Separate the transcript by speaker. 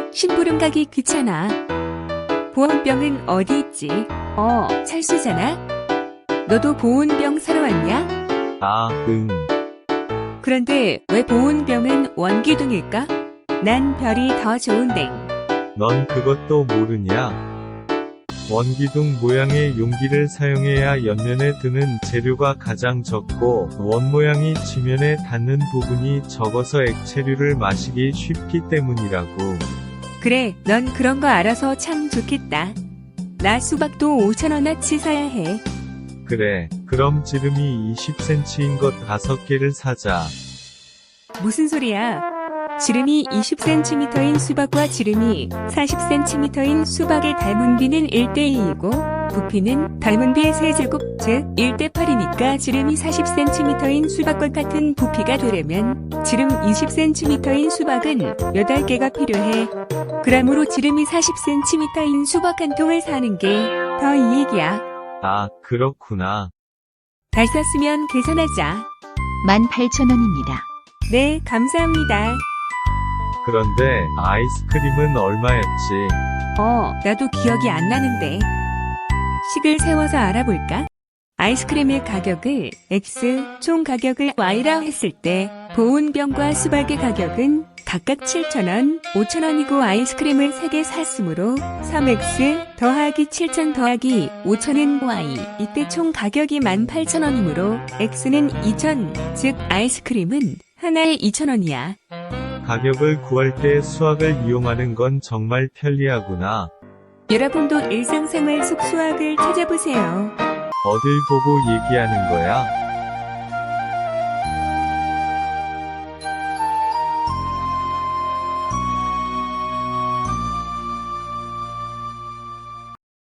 Speaker 1: 심부름 가기 귀찮아. 보온병은 어디 있지? 찰수잖아? 너도 보온병 사러 왔냐?
Speaker 2: 아, 응.
Speaker 1: 그런데 왜 보온병은 원기둥일까? 난 별이 더 좋은데.
Speaker 2: 넌 그것도 모르냐? 원기둥 모양의 용기를 사용해야 옆면에 드는 재료가 가장 적고 원 모양이 지면에 닿는 부분이 적어서 액체류를 마시기 쉽기 때문이라고.
Speaker 1: 그래, 넌 그런 거 알아서 참 좋겠다. 나 수박도 5,000원어치 사야 해.
Speaker 2: 그래, 그럼 지름이 20cm인 것 5개를 사자.
Speaker 1: 무슨 소리야? 지름이 20cm인 수박과 지름이 40cm인 수박의 닮은 비는 1대2이고 부피는 닮은 비의 세제곱 즉 1대8이니까 지름이 40cm인 수박과 같은 부피가 되려면 지름 20cm인 수박은 8개가 필요해. 그러므로 지름이 40cm인 수박 한 통을 사는 게 더 이익이야.
Speaker 2: 아, 그렇구나.
Speaker 1: 잘 샀으면 계산하자.
Speaker 3: 18,000원입니다.
Speaker 1: 네, 감사합니다.
Speaker 2: 그런데 아이스크림은 얼마였지?
Speaker 1: 나도 기억이 안 나는데. 식을 세워서 알아볼까? 아이스크림의 가격을 X, 총 가격을 Y라 했을 때 보온병과 수박의 가격은 각각 7,000원, 5,000원이고 아이스크림을 3개 샀으므로 3X 더하기 7,000 더하기 5,000은 Y. 이때 총 가격이 18,000원이므로 X는 2,000, 즉 아이스크림은 하나에 2,000원이야.
Speaker 2: 가격을 구할 때 수학을 이용하는 건 정말 편리하구나.
Speaker 1: 여러분도 일상생활 속 수학을 찾아보세요.
Speaker 2: 어딜 보고 얘기하는 거야?